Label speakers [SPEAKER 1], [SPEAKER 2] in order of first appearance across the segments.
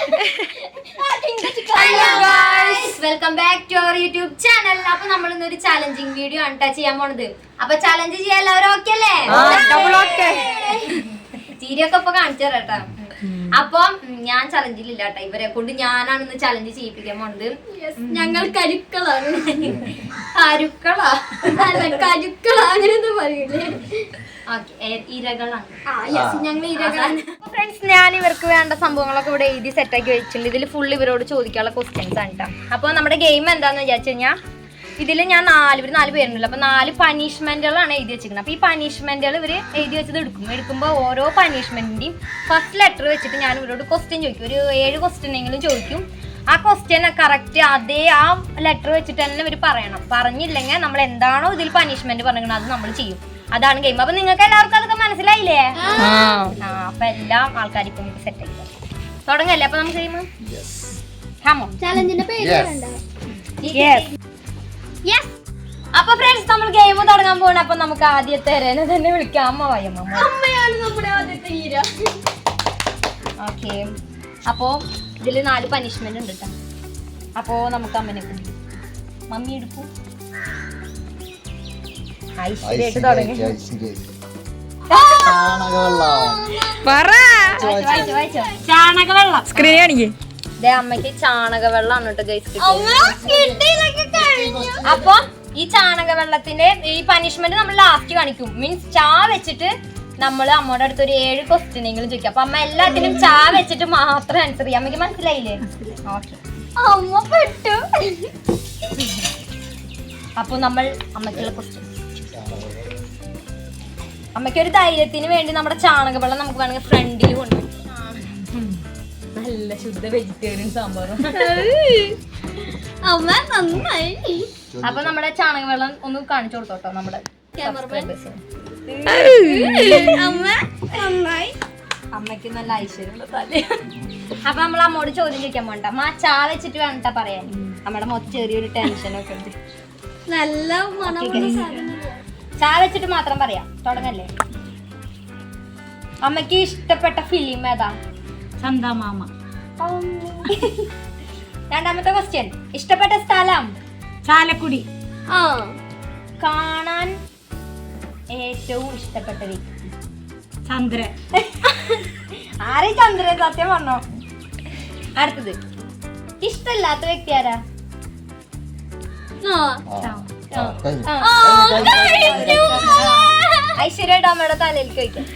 [SPEAKER 1] Welcome back to our YouTube channel. അപ്പൊ നമ്മൾ ഇന്നൊരു ചാലഞ്ചിങ് വീഡിയോ ആണ് ചെയ്യാൻ പോണത്. അപ്പൊ ചാലഞ്ച് ചെയ്യാൻ എല്ലാവരും ഓക്കെ അല്ലേ? ചീരിയൊക്കെ ഇപ്പൊ കാണിച്ചു തരാട്ടാ. അപ്പം ഞാൻ ചലഞ്ചിലില്ല കേട്ടോ, ഇവരെ കൊണ്ട് ഞാനാണ് ഇന്ന് ചലഞ്ച് ചെയ്യിപ്പിക്കാൻ പോണത്.
[SPEAKER 2] ഞങ്ങൾ കരുക്കളാണ്.
[SPEAKER 1] കരുക്കളാ
[SPEAKER 2] കരുക്കളാ അങ്ങനെ പറയൂലേ?
[SPEAKER 1] ഇരകളാണ്
[SPEAKER 2] ഞങ്ങൾ ഇരകളാണ്.
[SPEAKER 1] ഫ്രണ്ട്സ്, ഞാൻ ഇവർക്ക് വേണ്ട സംഭവങ്ങളൊക്കെ ഇവിടെ എഴുതി സെറ്റാക്കി വെച്ചിട്ടുണ്ട്. ഇതിൽ ഫുൾ ഇവരോട് ചോദിക്കാനുള്ള ക്വസ്റ്റ്യൻസ് ആണ് കേട്ടോ. അപ്പോൾ നമ്മുടെ ഗെയിം എന്താന്ന് വിചാരിച്ചു കഴിഞ്ഞാൽ ഇതിൽ ഞാൻ നാല് പേരുണ്ടല്ലോ. അപ്പോൾ 4 പനിഷ്മെന്റുകളാണ് എഴുതി വെച്ചിരിക്കുന്നത്. അപ്പോൾ ഈ പനിഷ്മെന്റുകൾ ഇവർ എഴുതി വെച്ചത് എടുക്കുമ്പോൾ ഓരോ പനിഷ്മെന്റിന്റെയും ഫസ്റ്റ് ലെറ്റർ വെച്ചിട്ട് ഞാൻ ഇവരോട് ക്വസ്റ്റ്യൻ ചോദിക്കും. ഒരു 7 ക്വസ്റ്റ്യനെങ്കിലും ചോദിക്കും. ആ ക്വസ്റ്റ്യൻ കറക്റ്റ് അതേ ആ ലെറ്റർ വെച്ചിട്ട് തന്നെ ഇവർ പറയണം. പറഞ്ഞില്ലെങ്കിൽ നമ്മൾ എന്താണോ ഇതിൽ പനിഷ്മെന്റ് പറഞ്ഞിരിക്കുന്നത് അത് നമ്മൾ ചെയ്യും. അതാണ് ഗെയിം. അപ്പൊ നിങ്ങൾക്ക് എല്ലാവർക്കും അതൊക്കെ മനസ്സിലായില്ലേ? അപ്പൊ എല്ലാ ആൾക്കാരും ഇപ്പൊ സെറ്റ് ആയി തുടങ്ങല്ലേ? അപ്പൊ നമുക്ക് ഗെയിം
[SPEAKER 2] ചാലഞ്ചിന്റെ പേര്
[SPEAKER 1] അപ്പൊ ഫ്രണ്ട്സ്, നമ്മൾ ഗെയിം തുടങ്ങാൻ പോകണം. അപ്പൊ നമുക്ക് ആദ്യത്തെ തന്നെ വിളിക്കാം.
[SPEAKER 2] അമ്മയാണ് നമ്മുടെ ആദ്യത്തെ ഹീറോ.
[SPEAKER 1] ഓക്കെ, അപ്പോ ഇതില് 4 പനിഷ്മെന്റ് ഉണ്ട് കേട്ടോ. അപ്പോ നമുക്ക് അമ്മനെ പിടിക്കും. മമ്മി എടുക്കൂ. ഐശ്വര്യായിട്ട് തുടങ്ങി. ചാണകവെള്ളം സ്ക്രീൻ കാണിക്കേ. അമ്മക്ക് ചാണകവെള്ളമാണ് കേട്ടോ ഗൈസ്. അപ്പൊ ഈ ചാണകവെള്ളത്തിന്റെ ഈ പനിഷ്മെന്റ് നമ്മൾ ലാസ്റ്റ് കാണിക്കും. മീൻസ് ചാ വെച്ചിട്ട് നമ്മൾ അമ്മയുടെ അടുത്ത് ഒരു 7 ക്വസ്റ്റ്യനെങ്കിലും ചോദിക്കും. അപ്പൊ അമ്മ എല്ലാത്തിനും ചാ വെച്ചിട്ട് മാത്രം ആൻസർ ചെയ്യാം. അമ്മക്ക് മനസ്സിലായില്ലേ? ഓക്കെ,
[SPEAKER 2] അമ്മ പെട്ടു.
[SPEAKER 1] അപ്പൊ നമ്മൾ അമ്മക്കുള്ള ക്വസ്റ്റ്യൻ, അമ്മയ്ക്ക് ഒരു ധൈര്യത്തിന് വേണ്ടി നമ്മുടെ ചാണകവെള്ളം നമുക്ക് വേണമെങ്കിൽ ഫ്രണ്ടിൽ കൊണ്ടുപോയി. നല്ല ശുദ്ധ വെജിറ്റേറിയൻ സാമ്പാറും.
[SPEAKER 2] അമ്മ നന്നായി.
[SPEAKER 1] അപ്പൊ നമ്മുടെ ചാണകവെള്ളം ഒന്ന് കാണിച്ചു കൊടുത്തോട്ടോ നമ്മുടെ
[SPEAKER 2] അമ്മ നന്നായി.
[SPEAKER 1] അമ്മയ്ക്ക് നല്ല ഐശ്വര്യമുള്ള തല. അപ്പൊ നമ്മൾ അമ്മോട് ചോദ്യം ചോദിക്കാൻ പോണ്ട. അമ്മ ചാ വെച്ചിട്ട് വേണ്ട പറയാൻ. നമ്മുടെ മൊത്തം ചെറിയൊരു ടെൻഷനൊക്കെ ഉണ്ട്.
[SPEAKER 2] നല്ല മണമുള്ള സാധനം.
[SPEAKER 1] ചാ വെച്ചിട്ട് മാത്രം പറയാം. തുടങ്ങല്ലേ? അമ്മക്ക് ഇഷ്ടപ്പെട്ട ഫിലിം ഏതാ?
[SPEAKER 3] ചന്ദമാമ.
[SPEAKER 1] രണ്ടാമത്തെ ക്വസ്റ്റ്യൻ, ഇഷ്ടപ്പെട്ട സ്ഥലം?
[SPEAKER 3] ചാലക്കുടി.
[SPEAKER 1] കാണാൻ ഏറ്റവും ഇഷ്ടപ്പെട്ട വ്യക്തി?
[SPEAKER 3] ചന്ദ്രൻ.
[SPEAKER 1] ആരെ ചന്ദ്രൻ? സത്യം പറഞ്ഞോ. അടുത്തത്, ഇഷ്ടല്ലാത്ത വ്യക്തി ആരാ? ഐശ്വര്യയുടെ അമ്മയുടെ തലയിലേക്ക് വയ്ക്കാം.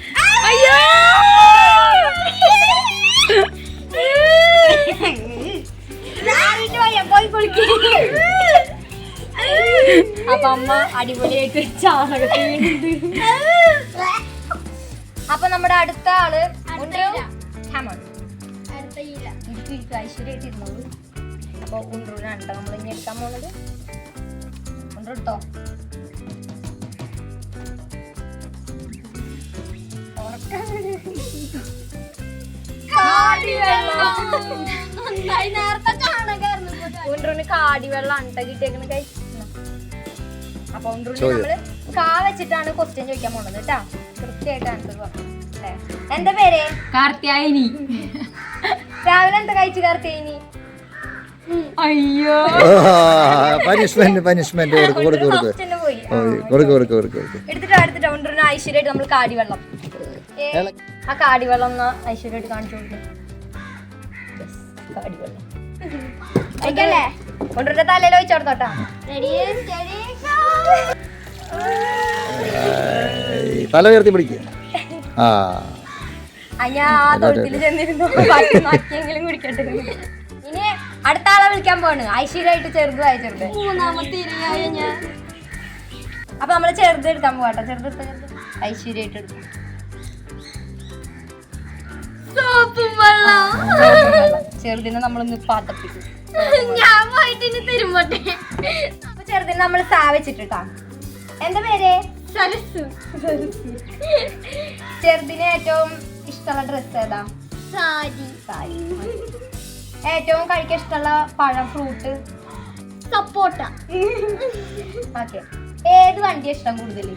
[SPEAKER 1] അപ്പൊ അമ്മ അടിപൊളിയായിട്ട് ചാണകത്തിൽ. അപ്പൊ നമ്മുടെ അടുത്ത ആള് ഐശ്വര്യായിട്ട് ഇരുന്നോളൂ. അപ്പൊ ഉണ്ടൂരാണ് നമ്മൾ ഇനി എടുക്കാൻ പോണത്. ഉണ്ടോ? ഉണ്ടൂന് കാടിവെള്ളം കിട്ടിയേക്കുന്ന കഴിച്ചു. അപ്പൊ ഉണ്ടൂന് നമ്മള് കാ വെച്ചിട്ടാണ് ക്വസ്റ്റ്യൻ ചോദിക്കാൻ പോണത് കേട്ടാ. കൃത്യമായിട്ട് ആൻസർ പറഞ്ഞു. എന്താ പേര്?
[SPEAKER 3] കാർത്യായനി.
[SPEAKER 1] രാവിലെ എന്താ കഴിച്ചു കാർത്യായനി?
[SPEAKER 3] അയ്യോ,
[SPEAKER 4] പനിഷ്മെന്റ്
[SPEAKER 1] എടുത്തിട്ടോ ഉണ്ടൂന് ഐശ്വര്യായിട്ട് നമ്മൾ കാടിവെള്ളം. ആ കാടിവെള്ളം ഒന്ന് ഐശ്വര്യായിട്ട് കാണിച്ചു കൊടുക്കും. കാടിവെള്ളം കൊണ്ടുവരുടെ തലയിൽ വെച്ചോടത്തോട്ടാ.
[SPEAKER 4] തല ഉയർത്തി പിടിക്കുക.
[SPEAKER 1] ഞാൻ ആ തൊഴുത്തിൽ ചെന്നിരുന്നു. ബാക്കിയെങ്കിലും കുടിക്കട്ടെ. ഇനി അടുത്ത ആളെ വിളിക്കാൻ പോണ്. ഐശ്വര്യായിട്ട് ചെറുത് ചെറുത്.
[SPEAKER 2] മൂന്നാമത്തെ ഇരയായ ഞാൻ.
[SPEAKER 1] അപ്പൊ നമ്മള് ചെറുത് എടുക്കാൻ പോവാട്ടോ. ചെറുത് ഐശ്വര്യായിട്ട് എടുക്കും. ചെറുതിനെ നമ്മളൊന്ന് പാത്തപ്പിക്കും.
[SPEAKER 2] ഞാൻ പോയിട്ട് തരുമ്പോട്ടെ.
[SPEAKER 1] അപ്പൊ ചെറുതിനെ നമ്മൾ സാ വെച്ചിട്ടാ. എന്താ പേര്?
[SPEAKER 2] സരസു.
[SPEAKER 1] ചെറുതിന് ഏറ്റവും ഇഷ്ടമുള്ള ഡ്രസ് ഏതാ?
[SPEAKER 2] സാരി.
[SPEAKER 1] ഏറ്റവും കഴിക്കാൻ ഇഷ്ടമുള്ള പഴം, ഫ്രൂട്ട്?
[SPEAKER 2] സപ്പോട്ട.
[SPEAKER 1] ഓക്കെ, ഏത് വണ്ടിയാ ഇഷ്ടം കൂടുതൽ?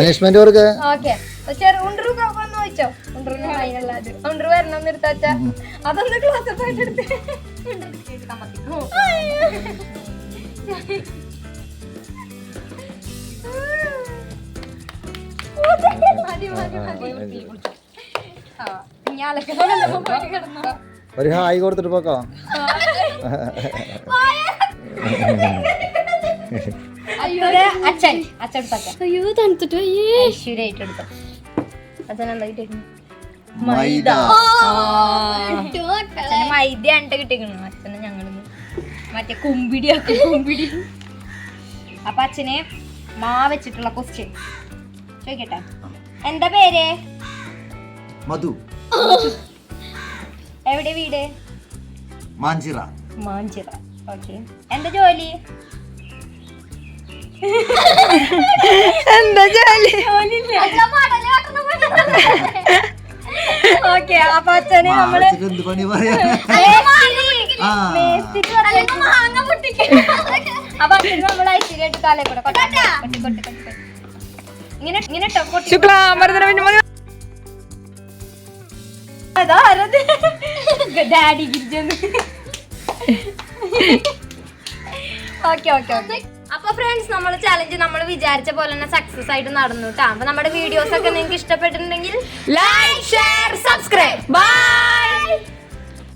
[SPEAKER 4] പനിഷ്മെന്റ് കൊടുക്ക.
[SPEAKER 1] ഓക്കെ ഉണ്ടു വന്ന് ചോദിച്ചോ. ഉണ്ടറിന് അതിനുള്ളത് ഉണ്ടു വരണം നിർത്താച്ച അതൊന്ന് ക്ലാസ് പോയിട്ട് എടുത്ത്
[SPEAKER 4] ഒരു ഹായ് കൊടുത്തിട്ട് പോക്കോ.
[SPEAKER 1] അച്ഛൻ അച്ഛൻ
[SPEAKER 2] അയ്യോ തണുത്തിട്ട്
[SPEAKER 1] ഐശ്വര്യായിട്ട് എടുത്തു. അച്ഛൻ എന്തായിട്ട്
[SPEAKER 4] മൈദ.
[SPEAKER 1] അച്ഛന് മൈദ ആണ് കിട്ടിക്കണു. അച്ഛന് ഞങ്ങള് മറ്റേ കുമ്പിടിയാക്കി കുമ്പിടി. അപ്പൊ അച്ഛനെ മാ വെച്ചിട്ടുള്ള ക്വസ്റ്റ്യൻ ചോദിക്കട്ടെ. എന്താ പേര്?
[SPEAKER 4] മധു.
[SPEAKER 1] എവിടെ വീട്?
[SPEAKER 4] മാഞ്ചിറ.
[SPEAKER 1] മാഞ്ചിറ. ഓക്കെ. എന്താ ജോലി? എന്താ ജോലി? ഓക്കെ. അപ്പൊ അച്ഛനെ നമ്മള്
[SPEAKER 4] എന്ത് പണി പറയാ?
[SPEAKER 1] അപ്പൊ അച്ഛന് നമ്മൾ ഐശ്വര്യായിട്ട് കാലേ കൂടെ ഇങ്ങനെ ഇങ്ങനെ ഡാഡി ഗിരിജന്ന്. Okay okay okay. അപ്പൊ ഫ്രണ്ട്സ് നമ്മൾ ചലഞ്ച് നമ്മൾ വിചാരിച്ച പോലെ തന്നെ സക്സസ് ആയിട്ട് നടന്നു കേട്ടോ. അപ്പൊ നമ്മുടെ വീഡിയോസ് ഒക്കെ നിങ്ങൾക്ക് ഇഷ്ടപ്പെട്ടിട്ടുണ്ടെങ്കിൽ ലൈക്ക് ഷെയർ സബ്സ്ക്രൈബ് ബൈ.